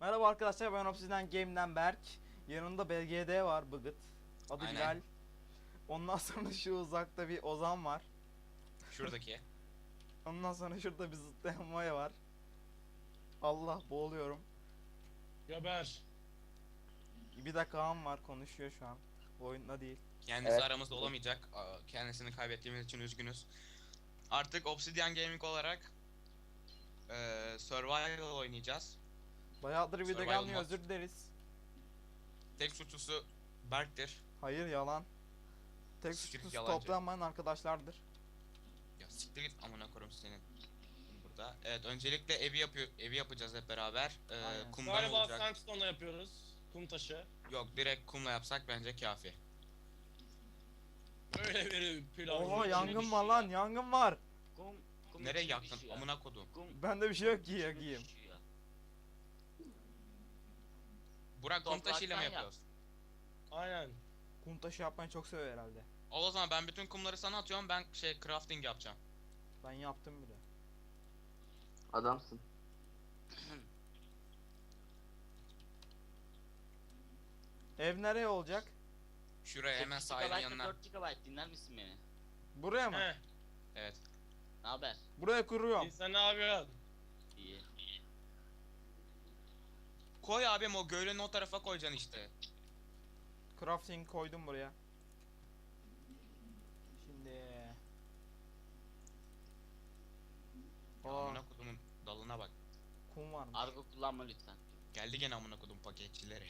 Merhaba arkadaşlar, ben Obsidian Game'den Berk. Yanımda BGD var, Bıgıt. Adı Aynen. Bilal. Ondan sonra şu uzakta bir Ozan var. Şuradaki. Ondan sonra şurada bir zıplayan Maya var. Allah, boğuluyorum. Geber. Bir de Kaan var, konuşuyor şu an. Bu oyunda değil. Kendisi Evet. aramızda olamayacak. Kendisini kaybettiğimiz için üzgünüz. Artık Obsidian Gaming olarak Survival oynayacağız. Bayağıdır video Survival gelmiyor, mod. özür dileriz. Tek suçlusu Berk'tir. Hayır, yalan. Tek Siktir suçlusu yalancı. toplanmayan arkadaşlardır. Ya siktir git amına koyayım senin. Burada. Evet, öncelikle evi yapacağız hep beraber. Aynen. Kumdan Galiba olacak. sandstone'la yapıyoruz. Kum taşı. Yok, direkt kumla yapsak bence kafi. Öyle bir plan. Oha, yok. yangın var lan, yangın var. Kum Nereye içine yaktın düşüyor. amına kodum. Bende bir şey yok ki içine yakayım. düşüyor. Burak kum taşıyla mı Topraktan yapıyoruz? Aynen. Kum taşı yapmayı çok seviyor herhalde. O zaman ben bütün kumları sana atıyorum, ben crafting yapacağım. Ben yaptım bile. Adamsın. Ev nereye olacak? Şuraya hemen 8 sahilin GB yanına. 4 GB dinler misin beni? Buraya mı? Heh. Evet. Ne haber? Buraya kuruyorum. Sen ne yapıyorsun? İyi. Koy abim, o gölün o tarafa koyacaksın işte. Crafting koydum buraya. Şimdi Ya Aa, amına kodumun dalına bak. kum var mı? Argo kullanma lütfen. Geldi gene amına kodum paketçileri.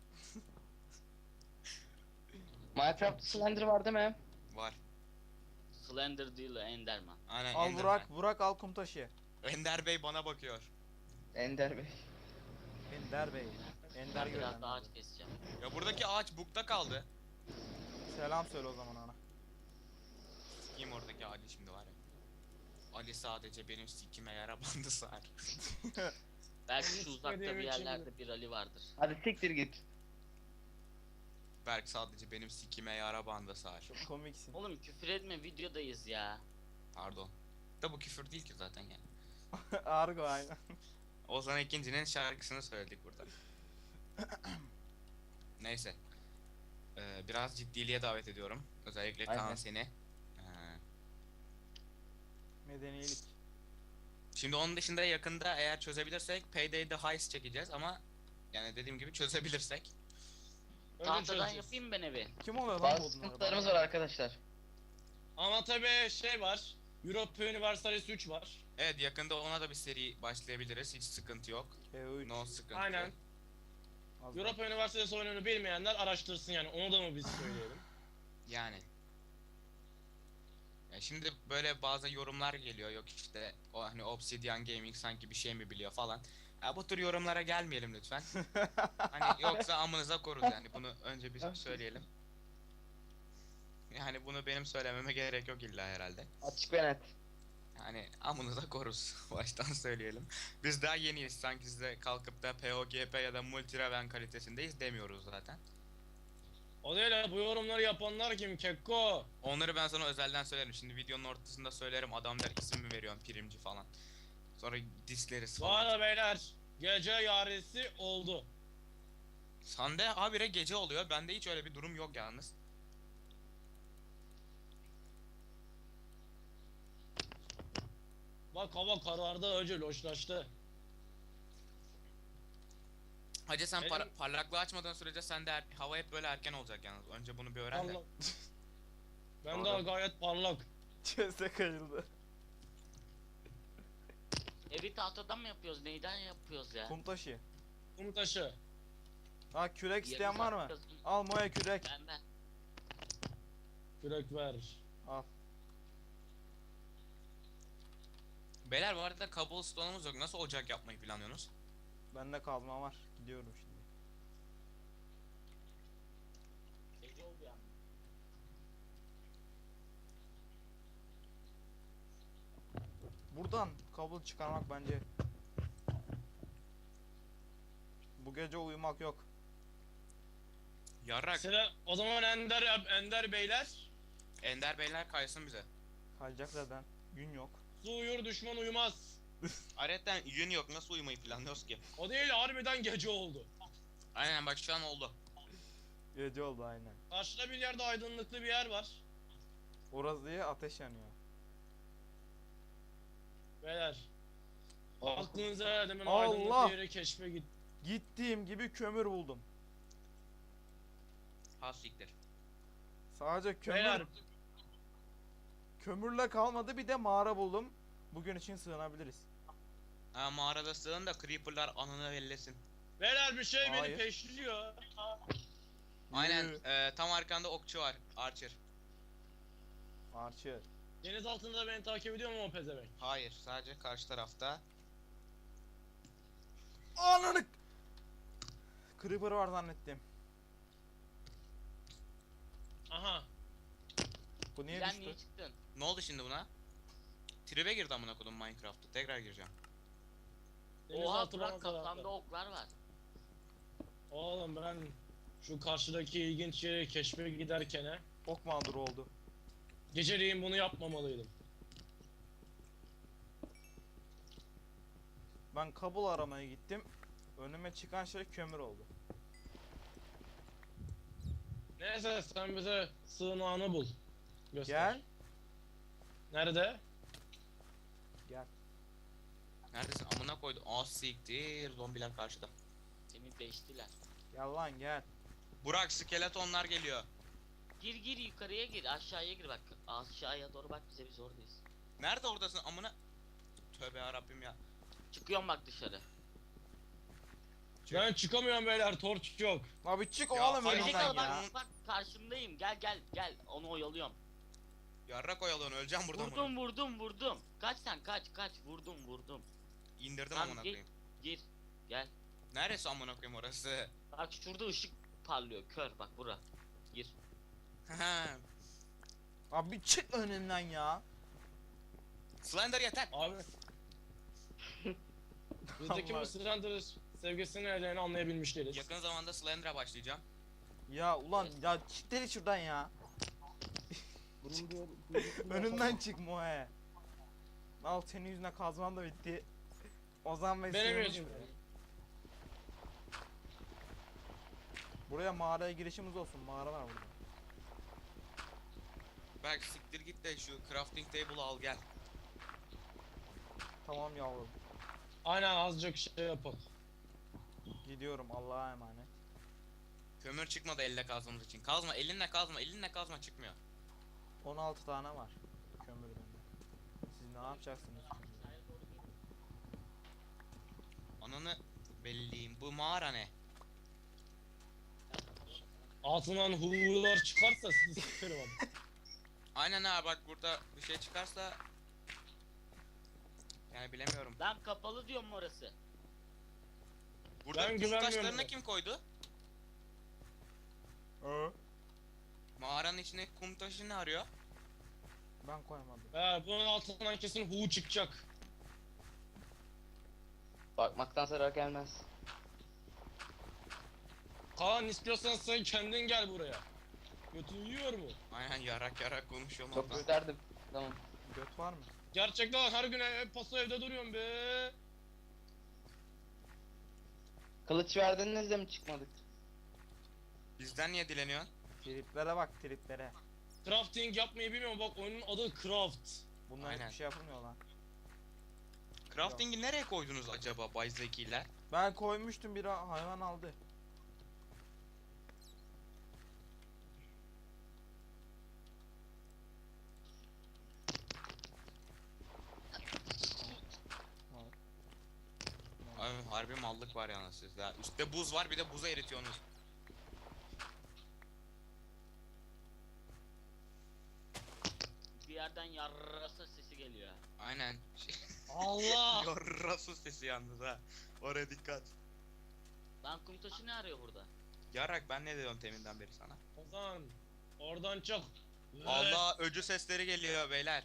Minecraft Slender var değil mi? Var. Slender değil Enderman. Aynen, Al Enderman. Burak al kum taşı. Ender Bey bana bakıyor. Ender Bey. Ender Bey. Ender Ben biraz gören. daha ağaç keseceğim. Ya buradaki ağaç bukta kaldı. Selam söyle o zaman ona. Sikeyim oradaki ağacı şimdi var ya. Ali sadece benim sikime yara bandı sar. Belki Onu şu uzakta istediğim bir için yerlerde bir Ali vardır. Hadi siktir git. Berk sadece benim sikime yara bandı sar. Çok komiksin. Oğlum küfür etme, videodayız ya. Pardon. Da bu küfür değil ki zaten yani. Argo aynen. Ozan İkinci'nin şarkısını söyledik burada. Neyse. Biraz ciddiliğe davet ediyorum. Özellikle Kaan Aynen. seni. Medenilik. Şimdi onun dışında yakında eğer çözebilirsek Payday'de heist çekeceğiz ama yani dediğim gibi çözebilirsek. Öyle Tahtadan çözeceğiz. yapayım ben evi. Kim oluyor lan Bazı bu odunları? sıkıntılarımız var arkadaşlar. Ama tabii şey var. Europa Universalis 3 var. Evet, yakında ona da bir seri başlayabiliriz, hiç sıkıntı yok. EU3. No sıkıntı. Aynen. Az Europa Universalis oyununu bilmeyenler araştırsın yani. Onu da mı biz söyleyelim? Yani. Ya şimdi böyle bazı yorumlar geliyor, yok işte o hani Obsidian Gaming sanki bir şey mi biliyor falan. Ya bu tür yorumlara gelmeyelim lütfen. Hani yoksa amınıza koruz yani, bunu önce bir söyleyelim. Yani bunu benim söylememe gerek yok illa herhalde. Açık ve net. Yani amınıza koruz baştan söyleyelim. Biz daha yeniyiz, sanki size kalkıp da POGP ya da Multiraven kalitesindeyiz demiyoruz zaten. O değil ya, bu yorumları yapanlar kim Kekko? Onları ben sana özelden söylerim. Şimdi videonun ortasında söylerim, adam der isim mi veriyorsun primci falan. Sonra disleriz Bu falan. arada beyler, gece yarisi oldu. Sende habire gece oluyor. Bende hiç öyle bir durum yok yalnız. Bak hava karardı, önce loşlaştı. Hacı sen Benim- parlaklığı açmadığın sürece sende hava hep böyle erken olacak yalnız. Önce bunu bir öğren de. Allah. Ben daha gayet parlak. Çese kayıldı. Evi tahtadan mı yapıyoruz? Neyden yapıyoruz ya? Kum taşı. Kum taşı. Ha, kürek isteyen Yarım var saat mı? yazın. Al Moya kürek. Ben. Kürek ver. Al. Beyler bu arada cobblestone'umuz yok. Nasıl ocak yapmayı planlıyorsunuz? Bende kazma var. Gidiyorum şimdi. Gece oldu yani. Buradan kabul çıkarmak bence. Bu gece uyumak yok. Yarrak. Sıra o zaman Ender beyler. Ender beyler kaysın bize. Kalacak zaten. Gün yok. Su uyur düşman uyumaz. Ayrıca yün yok, nasıl uyumayı planlıyoruz ki? O değil, harbiden gece oldu. Aynen bak şu an oldu. Gece oldu aynen. Karşıda bir yerde aydınlıklı bir yer var. Orası diye ateş yanıyor. Beyler. Aklınıza demin Allah! aydınlıklı yeri keşfe git. Gittiğim gibi kömür buldum. Ha siktir. Sadece Beyler. kömürle kalmadı, bir de mağara buldum. Bugün için sığınabiliriz. Ha mağarada sığın da creeperlar anını bellesin. Beyler bir şey beni Hayır. peşliyor. Aynen Yürü. tam arkanda okçu var. Archer. Archer. Deniz altında da beni takip ediyor mu o pezevenk? Hayır sadece karşı tarafta. Ananı! Creeper var zannettim. Aha. Bu niye Sen düştü? niye çıktın? Ne oldu şimdi buna? Tribe girdi amına kodum Minecraft'ta. Tekrar gireceğim. Deniz Oha altı Burak bana kafamda tarafta. oklar var. Oğlum ben şu karşıdaki ilginç yeri keşfe giderken Ok mağduru oldu. geceleyin bunu yapmamalıydım. Ben kabul aramaya gittim. Önüme çıkan şey kömür oldu. Neyse sen bize sığınağını bul. Göster. Gel. Nerede? Gel. Neredesin? Amına koydu. Ah siktir. Zombiler karşıda. Seni deştiler. Gel lan gel. Burak skeletonlar geliyor. Gir yukarıya gir, aşağıya gir bak. Aşağıya doğru bak, bize biz oradayız. Nerede oradasın amına? Tövbe yarabbim ya. Çıkıyorum bak dışarı. Ben çıkamıyorum beyler, torç yok. Abi çık Ya, oğlum hayır, önümden Gerizekalı ya. bak karşındayım. Gel onu oyalıyorum. Yarrak oyalanıyor. Öleceğim burada amına. Vurdum. Kaç sen kaç. Vurdum. İndirdim Tamam, amına gir. koyayım. Gir. Gel. Neresi amına koyayım orası? Bak şurada ışık parlıyor. Kör bak bura. Gir. Abi çık önümden ya. Slender yeter. Abi. Bizdeki Allah. bu Slender sevgisini ellerini anlayabilmiş değiliz. Yakın zamanda Slender'a başlayacağım. Ya ulan ya çık deli şuradan ya. Önümden çık Moe. Al senin yüzüne kazman da bitti. Ozan ve Benim sığınmış yüzümden. buraya. Buraya mağaraya girişimiz olsun. Mağara var burada. Bak siktir git de şu crafting table'ı al gel. Tamam yavrum. Aynen azıcık şey yapalım. Gidiyorum, Allah'a emanet. Kömür çıkmadı elle kazmamız için. Kazma elinle kazma elinle kazma çıkmıyor. 16 tane var kömür bende. Siz ne yapacaksınız? Ananı belliyim. Bu mağara ne? Altından hurlar çıkarsa sizi sıkarım abi. Aynen ha bak burada bir şey çıkarsa yani bilemiyorum. Lan kapalı diyorum orası. Burada Ben kum güvenmiyorum taşlarını buna. kim koydu? Mağaranın içine kum taşı ne arıyor? Ben koymadım. Bunun altından kesin hu çıkacak. Bakmaktan zarar gelmez. Kaan istiyorsan sen kendin gel buraya. Götün yiyor mu? Aynen yarak konuşuyor Çok ondan. isterdim. Tamam. Göt var mı? Gerçekten her gün paso evde duruyorum be. Kılıç verdiniz de mi çıkmadık? Bizden niye dileniyorsun? Triplere bak, triplere. Crafting yapmayı bilmiyorum, bak oyunun adı Craft. Bunlar Aynen. hiçbir şey yapılmıyor lan. Crafting'i nereye koydunuz acaba Bay Zeki'ler? Ben koymuştum, bir hayvan aldı. Abi harbi mallık var yalnız sizde. Üstte buz var bir de buzu eritiyorsunuz. Bir yerden yarrasa sesi geliyor. Aynen. Allah! Yarrasu sesi yalnız ha. Oraya dikkat. Lan kum taşı ne arıyor burada? Yarak ben ne diyorum teminden beri sana? Ozan, oradan çık. Allah öcü sesleri geliyor beyler.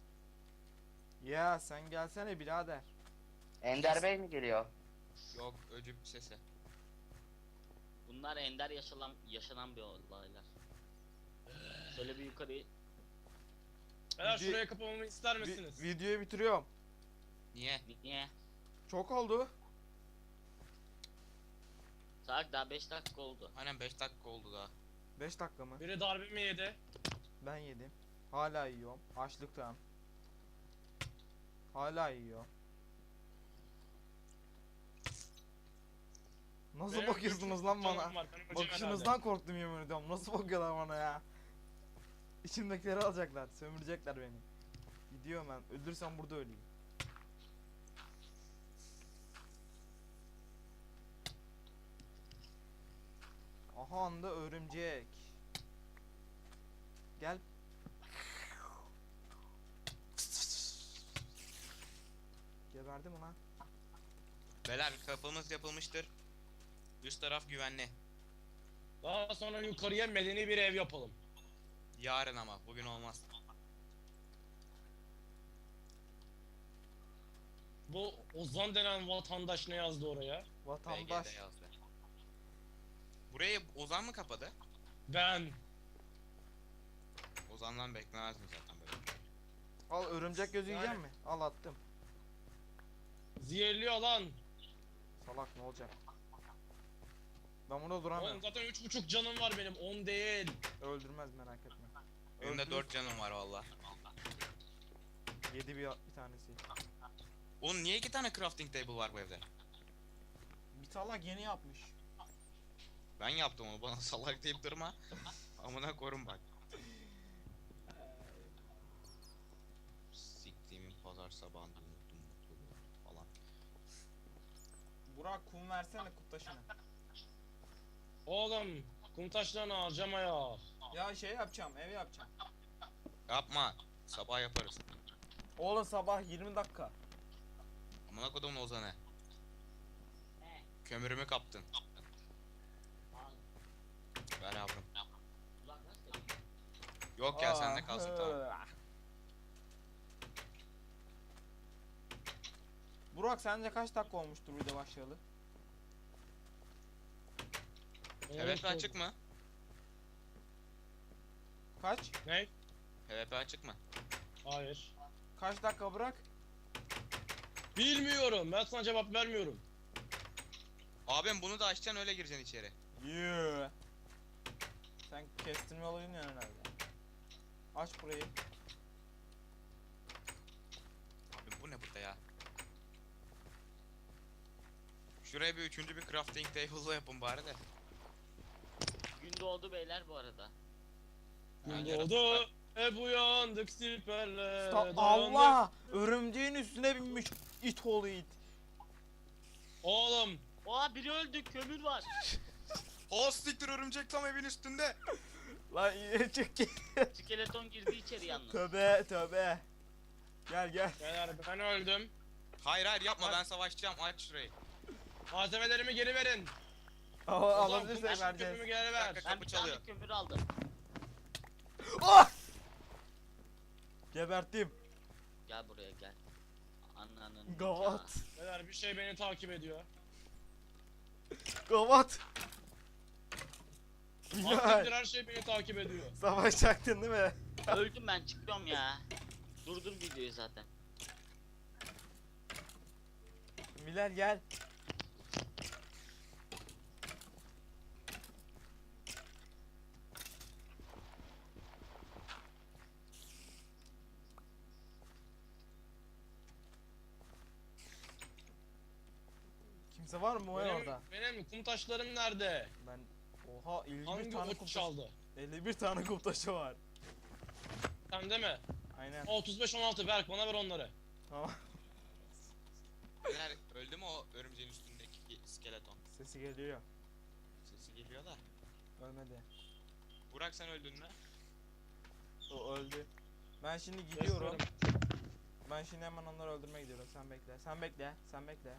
Ya sen gelsene birader. Ender Bey mi geliyor? Yok öcü sesi. Bunlar ender yaşanan bir olaylar. Şöyle bir yukarı. Beyler Video- şuraya kapamamı ister misiniz? Videoyu bitiriyorum. Niye? Niye? Çok oldu. Salak daha 5 dakika oldu. Aynen 5 dakika oldu daha. 5 dakika mı? Biri darbe mi yedi? Ben yedim. Hala yiyorum. Açlıktan. Hala yiyor. Nasıl Benim bakıyorsunuz üç lan canım bana? var, ben öleceğim Bakışınızdan korktum yemin ediyorum. Nasıl bakıyorlar bana ya? İçimdekileri alacaklar, sömürecekler beni. Gidiyorum ben. Öldürsem burada öleyim. Aha anda örümcek. Gel. Geberdi mi lan? Beyler kapımız yapılmıştır. Üst taraf güvenli. Daha sonra yukarıya medeni bir ev yapalım. Yarın ama bugün olmaz. Bu Ozan denen vatandaş ne yazdı oraya? Vatandaş. BG'de yazdı. Burayı Ozan mı kapadı? Ben. Ozan'dan beklemez mi zaten böyle? Al örümcek gözü Yani- yiyecek mi? Al attım. Zehirliyor lan. Salak ne olacak? Ben burada Oğlum duramıyorum. zaten 3,5 canım var benim, 10 değil. Öldürmez merak etme. Benim de Öldürür. 4 canım var valla. Yedi bir tanesi. Oğlum niye 2 tane crafting table var bu evde? Bir salak yeni yapmış. Ben yaptım onu, bana salak deyip durma. Amına korum bak. Siktiğimin pazar sabahında unuttum mutluluğu falan. Burak kum versene kuttaşını. Oğlum kum taşlarını harcama ya. Ya şey yapacağım, ev yapacağım. Yapma. Sabah yaparız. Oğlum sabah 20 dakika. Amına kodumun Ozan'ı. He. Kömürümü kaptın. Al. Ver yavrum. Ulan nasıl? Yok ya sende kalsın tamam. Burak sence kaç dakika olmuştur video başlayalı? PvP açık mı? Kaç? Ne? PvP açık mı? Hayır. Kaç dakika Burak? Bilmiyorum, ben sana cevap vermiyorum. Abim bunu da açacaksın öyle gireceksin içeri. Yeah. Sen kestirme olayın ya herhalde. Aç burayı. Abim bu ne burada ya? Şuraya bir üçüncü bir crafting table'la yapın bari de. Gün doğdu beyler bu arada. Gün Yani doğdu, hep uyandık siperle. Allah! Örümceğin üstüne binmiş it oğlu it. Oğlum, Oha biri öldü, kömür var. Siktir örümcek tam evin üstünde. Lan yine çık git. Skeleton girdi içeri yalnız. Tövbe tövbe. Gel gel. beyler ben öldüm. Hayır hayır yapma ben savaşacağım aç şurayı. Malzemelerimi geri verin. Alabilirsek Kum vereceğiz. kömürümü geri ver. Dakika. Ben Kapı bir tane çalıyor. kömür aldım. Ah! Geberttim. Gel buraya gel. Ananın Gavat. Beyler bir şey beni takip ediyor. Gavat. Aklımdır Bilal. her şey beni takip ediyor. Savaşacaktın değil mi? nikahı. Öldüm ben, çıkıyorum ya. Durdur videoyu zaten. Bilal gel. Kimse var mı o ya orada? Benim kum taşlarım nerede? Ben oha 51 Hangi tane kum ot taşı. çaldı? 51 tane kum taşı var. Sende mi? Aynen. 35-16 Berk, bana ver onları. Tamam. Beyler öldü mü o örümceğin üstündeki skeleton? Sesi geliyor. Sesi geliyor da. Ölmedi. Burak sen öldün mü? O öldü. Ben şimdi gidiyorum. Ben şimdi hemen onları öldürmeye gidiyorum. Sen bekle. Sen bekle. Sen bekle.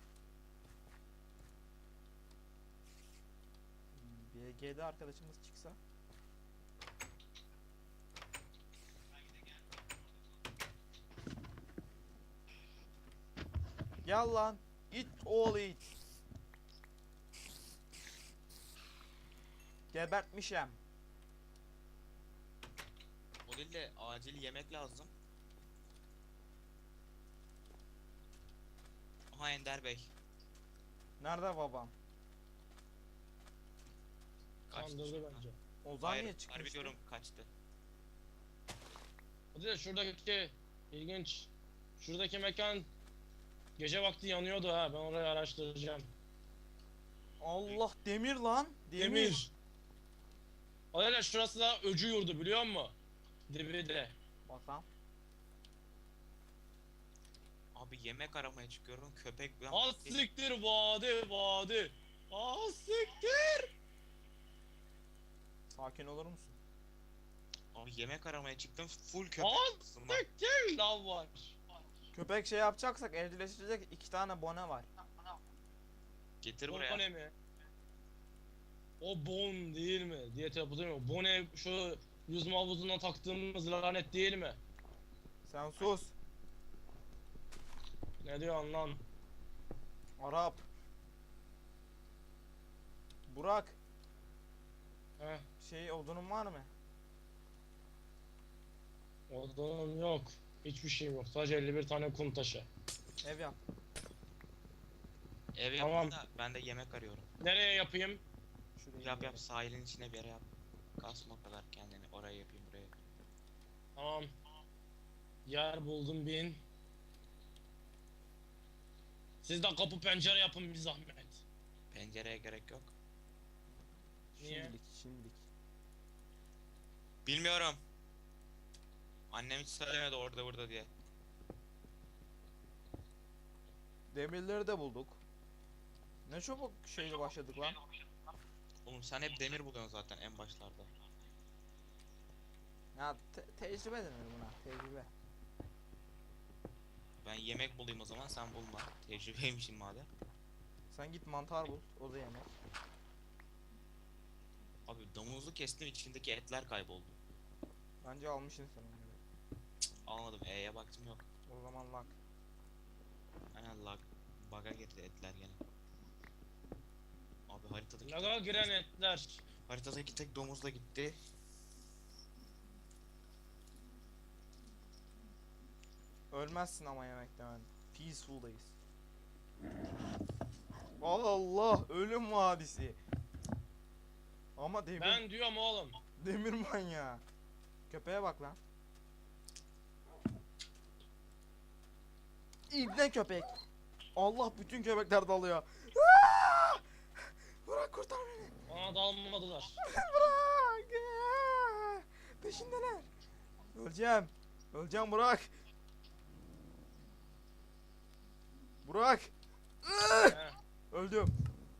BG'de arkadaşımız çıksa. Gel lan. It all it. Gebertmişem. O değil de acil yemek lazım. Aha Ender Bey. Nerede babam? Kaçtı Kandırdı çocuklar. bence. Ozan Hayır, niye harbi çıkmıştı? diyorum kaçtı. Hadi de şuradaki ilginç. Şuradaki mekan gece vakti yanıyordu ha. Ben orayı araştıracağım. Allah demir lan. Demir. Hadi şurası da öcü yurdu biliyor musun? Dibi de. Bakalım. Abi yemek aramaya çıkıyorum köpek. Az siktir vadi. Az siktir. Sakin olur musun? Abi yemek aramaya çıktım full köpek. Az ısırma. siktir lan var. Köpek şey yapacaksak evcilleştirecek 2 tane bone var. Getir O buraya. ne mi? O bon değil mi? Diye telaffuz değil mi? Bone şu yüzme havuzuna taktığımız lanet değil mi? Sen sus. Ne diyorsun lan? Arap. Burak. Heh, Şey odunun var mı? odunum yok. Hiçbir şeyim yok. Sadece 51 tane kum taşı. Ev yap. Ev Tamam. yapayım da ben de yemek arıyorum. Nereye yapayım? Şuraya Yap bir yap sahilin içine bir yere yap. Kasma o kadar kendini. Oraya yapayım buraya yapayım. Tamam. Yer buldum bin. Siz de kapı pencere yapın bir zahmet. Pencereye gerek yok. Niye? Şimdilik. Bilmiyorum. Annem hiç söylemedi orada burada diye. Demirleri de bulduk. Ne çabuk şeyle başladık lan. Oğlum sen hep demir buluyorsun zaten en başlarda. Ya tecrübe denir buna. Tecrübe. Ben yemek bulayım o zaman sen bulma. Tecrübeymişim madem. Sen git mantar bul. O da yemek. Abi domuzu kestim içindeki etler kayboldu. Bence almışsın sen onları. Almadım E'ye baktım yok. O zaman lak. Aynen lag. Bug'a girdi etler gene. Abi haritadaki Laga giren etler. haritadaki tek domuz da gitti. Ölmezsin ama yemekten. Ben. Peaceful'dayız. Allah ölüm vadisi. Ama demir, Ben diyorum oğlum. demir manyağı. Köpeğe bak lan. İbne köpek. Allah bütün köpekler dalıyor. Aa! Bırak kurtar beni. Bana dalmadılar. Bırak. Aa! Peşindeler. Öleceğim. Öleceğim Burak. Burak. He. Öldüm.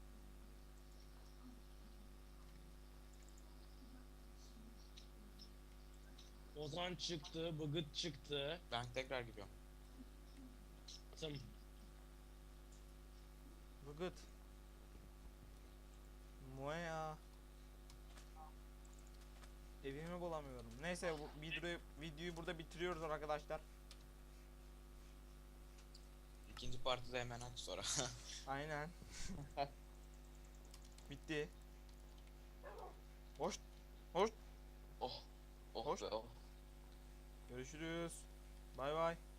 Ozan çıktı, Bıgıt çıktı. Ben tekrar gidiyorum. Tım. Bıgıt. Moya. Evimi bulamıyorum. Neyse bu videoyu burada bitiriyoruz arkadaşlar. İkinci partide hemen aç sonra. Aynen. Bitti. Hoş. Oh Hoş. be oh. Görüşürüz. Bay bay.